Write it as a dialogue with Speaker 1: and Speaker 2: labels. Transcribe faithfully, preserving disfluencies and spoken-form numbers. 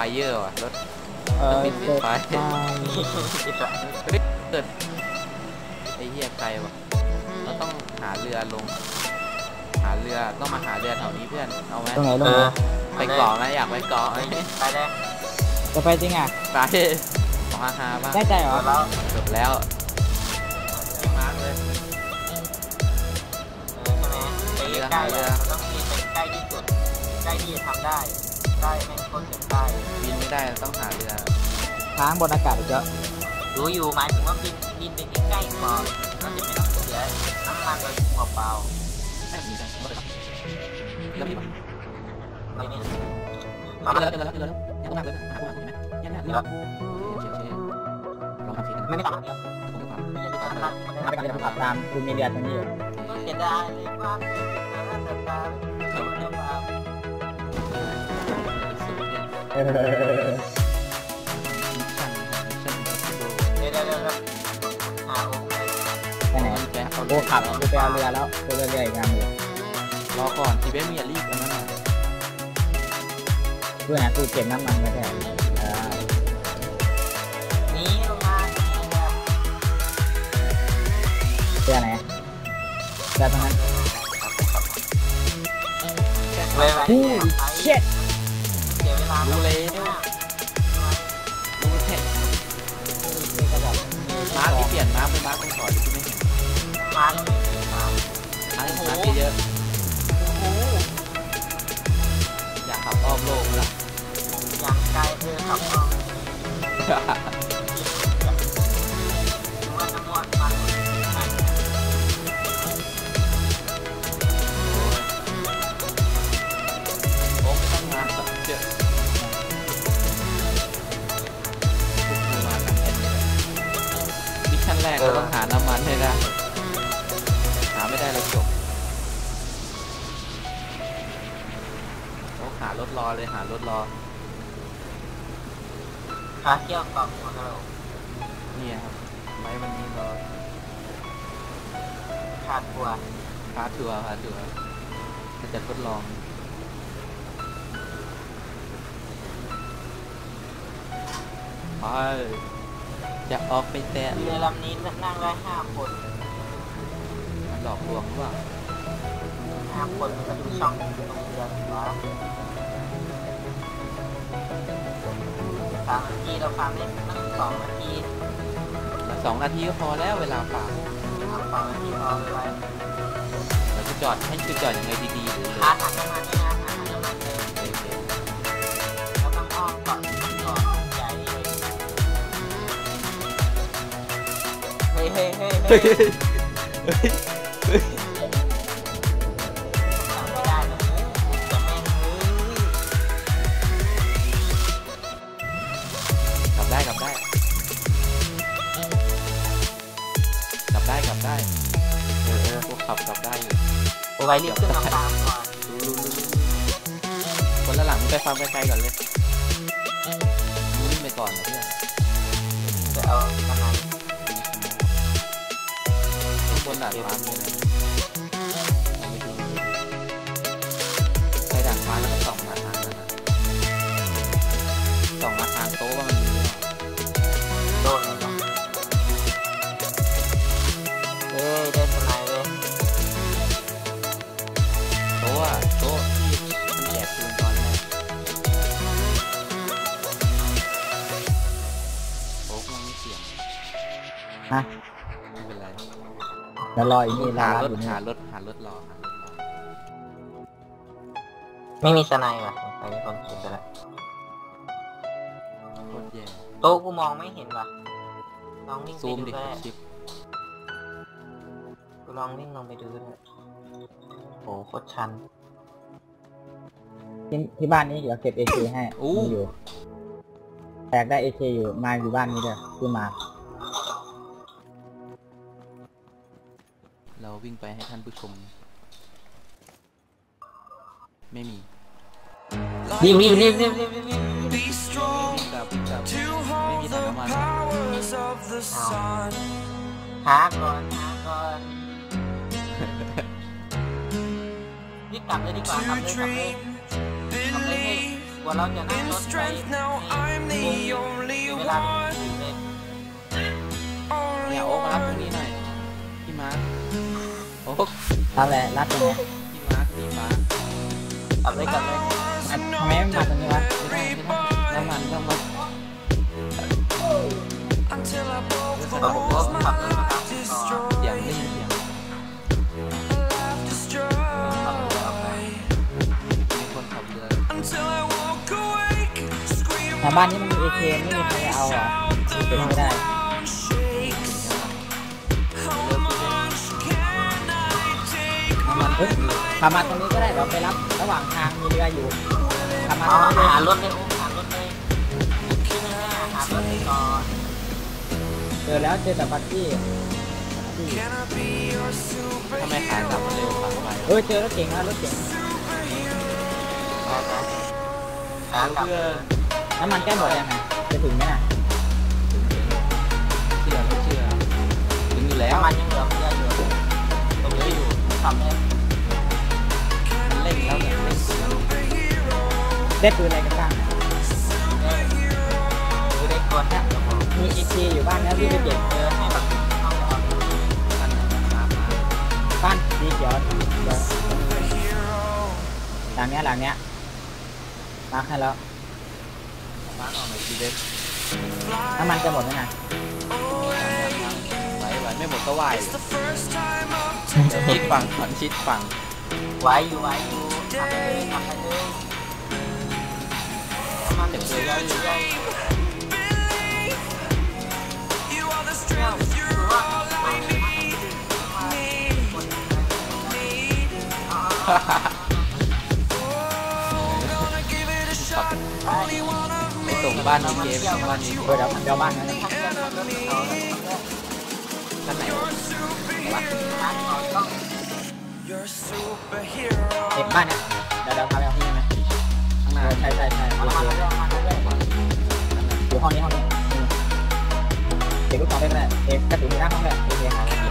Speaker 1: เยอร์ว่ะรถ
Speaker 2: เออ
Speaker 1: บินติดไฟ
Speaker 2: มา
Speaker 1: เกิดไอ้เหี้ยไกลว่ะเราต้องหาเรือลงหาเรือต้องมาหาเรือแถวนี้เพื่อนเอาไหม
Speaker 2: ตรงไหนตรงไหน
Speaker 1: ไปเกาะไหมอยากไปเกาะไหม
Speaker 3: ไปเลย
Speaker 2: จะไปจริงอ่ะ
Speaker 1: ไปขอฮาฮาบ้าง
Speaker 2: ได้ใจเหรอ
Speaker 1: จบแล้ว
Speaker 3: มาเลยใช่ไหมไปใกล้เลยต้องบินไปใกล้ที่สุดใกล้ที่จะทำได้ได้แม่งคนเก็บได้
Speaker 1: บินไม่ได้ต้องหาเรือ
Speaker 2: ค้างบนอากาศเยอะ
Speaker 3: รู้อยู่หมายถึงว่าบินบินไปใกล้ๆก่อนเราจะไม่ต้องเสียน้ำมันโดยเปล่า
Speaker 1: ๆแบบนี้จังแล้วมีป่ะ
Speaker 3: ไม่มี
Speaker 1: มาเลยเลยเลยเลยยังต้องมาเลยหาพวกมันใช่ไหมเนี่ยเนี่ยเชี่ยเชี่ยลองทำสิ
Speaker 3: ไม่ไม่ต้อง
Speaker 1: ผมก็ทำ
Speaker 2: มาไปกันขับตามคุณมีเรือตรงนี้อยู่
Speaker 3: เสียดายเลยว่าแต่ตาเท่านั้นว่า
Speaker 2: เออ
Speaker 3: เดี๋ยวเดี๋ยวเดี๋ยวหาโอ้
Speaker 2: ไปไหนโอ้ขับไปเอาเรือแล้วไปเรือใหญ่งามเลย
Speaker 1: รอก่อนทีเบสมีรีบกันนะ
Speaker 2: เพื่อนกูเก็บน้ำมันมาแทน
Speaker 3: นี่ลงมา
Speaker 2: เรือไหนเรือตรงนั้นฮู้เช็ด
Speaker 3: เสียเวลา
Speaker 1: รู้เลยรู้แค่มาร์คที่เปลี่ยนมาร์คเป็นมาร์คตรงถอยที่ไม่เห็น
Speaker 3: มาร์คมาร์ค
Speaker 1: มาร์คมาร์คเยอะอยากขับอ้อมโลกละ
Speaker 3: อยากไกลเธอขับอ้อมมันจะมวนมัน
Speaker 1: โอ้ไม่ต้องมาเยอะมาทำแค่นี้มิชชั่นแรกเราต้องหาน้ำมันให้ได้หาไม่ได้เราจบหารถรอเลยหารถรอ
Speaker 3: หาเที่ยวกล่องของเรา
Speaker 1: นี่ครับไว้วันนี้รอ
Speaker 3: พาทัวร์
Speaker 1: พาทัวร์พาทัวร์จะทดลองไปจะออกไปแต่
Speaker 3: เรือลำนี้นั่งได้ห้าคน
Speaker 1: หลอกลวงหรือเปล่า
Speaker 3: ห้าคนมาดูช่องตรงเรือวะสามนาทีเราฟังได้ตั้งสองนาที
Speaker 1: สองนาทีก็พอแล้วเวลาฟัง
Speaker 3: สองนาทีพอไว้
Speaker 1: เราจะจอดให้คือจอดยังไงดีๆหรือ
Speaker 3: หาถังน้ำมันนี่นะหาถังน้ำมันเลยเราต้องอ้อมก่อนก่อนใหญ่เลยเฮ้ยเฮ้ยเฮ้ยเฮ้ยเฮ้ยไม่ได้แล้วจะแม่ง
Speaker 1: กลับได้กลับได้กลับได้กลับได้เออเออพวกขับกลับได้อยู่
Speaker 3: โอ้ยรีบขึ้นมาตามก่อน
Speaker 1: คนละหลังไปฟังไกลๆก่อนเลยวิ่งไปก่อนนะเพื่อน
Speaker 3: จะเอาทำไม
Speaker 1: คนด่านฟ้ามีอะไรไปด่านฟ้าแล้วก็ส่องมาทางนั้นนะส่องมาทางโต๊ะว่ามันมี
Speaker 3: โดนเลยป่ะเฮ้ยได้ทำไมเลย
Speaker 1: โต๊ะอะโต๊ะที่มันแจกคืนตอนแรกโต๊ะมันไม่เสียง
Speaker 2: ฮะ
Speaker 1: ไม่เป็นไร
Speaker 2: แล้วรออีกนี่
Speaker 1: หารถหารถหารถรอหารถรอ
Speaker 3: ไม่มีสไนด์ว่ะไปไม่คนเก็บไปแล้ว
Speaker 1: โคตรแย่
Speaker 3: โต๊ะกูมองไม่เห็นว่ะลองวิ่ง
Speaker 1: ซูมดิชิป
Speaker 3: กูลองวิ่งลงไปดูด้วยโอ้โคตรชัน
Speaker 2: ที่ที่บ้านนี้เดี๋ยวเก็บ เอ เค ให้อยู่แตกได้ เอ เค อยู่มาอยู่บ้านนี้เลยคือมา
Speaker 1: เราวิ่งไปให้ท่านผู้ชมไม่มี
Speaker 3: รีบรีบรีบรีบรีบรีบ
Speaker 1: วิ่งกลับวิ่งกลับไม่มีถังน้ำมัน
Speaker 3: หาก่อนหาก่อนรีบกลับเลยดีกว่าขับเลยขับเลยขับเลยกว่าเราจะนั่งรถไปเวลาถึงเลย
Speaker 1: เนี่ยโอ๊กมารับตรงนี้หน่อยพี่มาร์คโอ๊ก
Speaker 2: รับเลยรับตรงไหน
Speaker 1: พี่มาร์คสีฟ้าก
Speaker 3: ลับเลยกลับเลย
Speaker 2: ทำไมไม่มาตรงนี้วะ
Speaker 1: ไม่ได้ไม่ได้น้ำมันต้องมา
Speaker 3: เราผมก็ขับรถมาตามก่อน
Speaker 1: เสียงได้ยินเสียงมีคนขับเรือ
Speaker 2: แถวบ้านนี้มันมีเอเคไม่มีใครเอาเหรอเป็นไม่ได้
Speaker 1: น้ำมัน
Speaker 2: เฮ้ยขับมาตรงนี้ก็ได้เราไปรับระหว่างทางมีเรืออยู่ขับมาต
Speaker 3: เอา
Speaker 2: รงนี้เลย
Speaker 3: หารถเลยอุ้มหารถเลยขึ้นหน้าหารถเลยก่อน
Speaker 2: เจอแล้วเจอแต่บักกี้
Speaker 1: ทำไมขากลับมาเร็วขับไป
Speaker 2: เออเจอรถเก๋งแล้วรถเก๋ง
Speaker 3: ขากลับ
Speaker 1: เพื่อ
Speaker 2: น้ำมันใกล้หมดยังไงจะถึงไหมน่ะ
Speaker 1: ถึงถึงเชื่อไม่เชื่อถึงอยู่แล้ว
Speaker 3: น้ำมันยังเหลือเยอะอยู่ตรงนี้อยู่ทำได้
Speaker 1: มันเร่งแล้วเนี่ยเร่งสุดแล้ว
Speaker 2: ได้ปืนอะไรกันบ้างน่ะ
Speaker 3: คือได้ตัวเนี่ย
Speaker 2: มีเอเคอยู่บ้านนะพี่ไปเก็บ
Speaker 3: เจอให้แบบเข้าไปเอา
Speaker 1: นั่นน่ะครับมา
Speaker 2: บ้านสีเขียวเดี๋ยวหลังเนี้ยหลังเนี้ยมาให้แล้ว
Speaker 1: มาร์คเอาหน่อยทีเด็ด
Speaker 2: น้ำมันจะหมดไหมน่ะ
Speaker 1: ไหวไหวไม่หมดก็ไหวชิดฝั่งก่อนชิดฝั่ง
Speaker 3: ไว้อยู่ไว้อยู่ทำไปเลยทำไปเลยน้ำมันเดือดเยอะอยู่เยอะเนี่ยคือว่าไม่มีคน
Speaker 1: ขับไปส่งบ้านนี้เกมบ้านนี้
Speaker 2: เออเดี๋ยวเดี๋ยวบ้านนั้น
Speaker 1: ท่านไหนวะ
Speaker 2: เก็บบ้านเนี้ยเดี๋ยวเดี๋ยวพาไปเอาที่นี่ไหม
Speaker 1: ข้างห
Speaker 2: เอ
Speaker 1: น้า
Speaker 2: อใช่ใช่ใช่โอเคอยู่ห้องนี้ห้องนี้อืมเก็บลูกศรได้ไหมเอกกระสุนอยู่หน้าห้องเลยโอเคครับ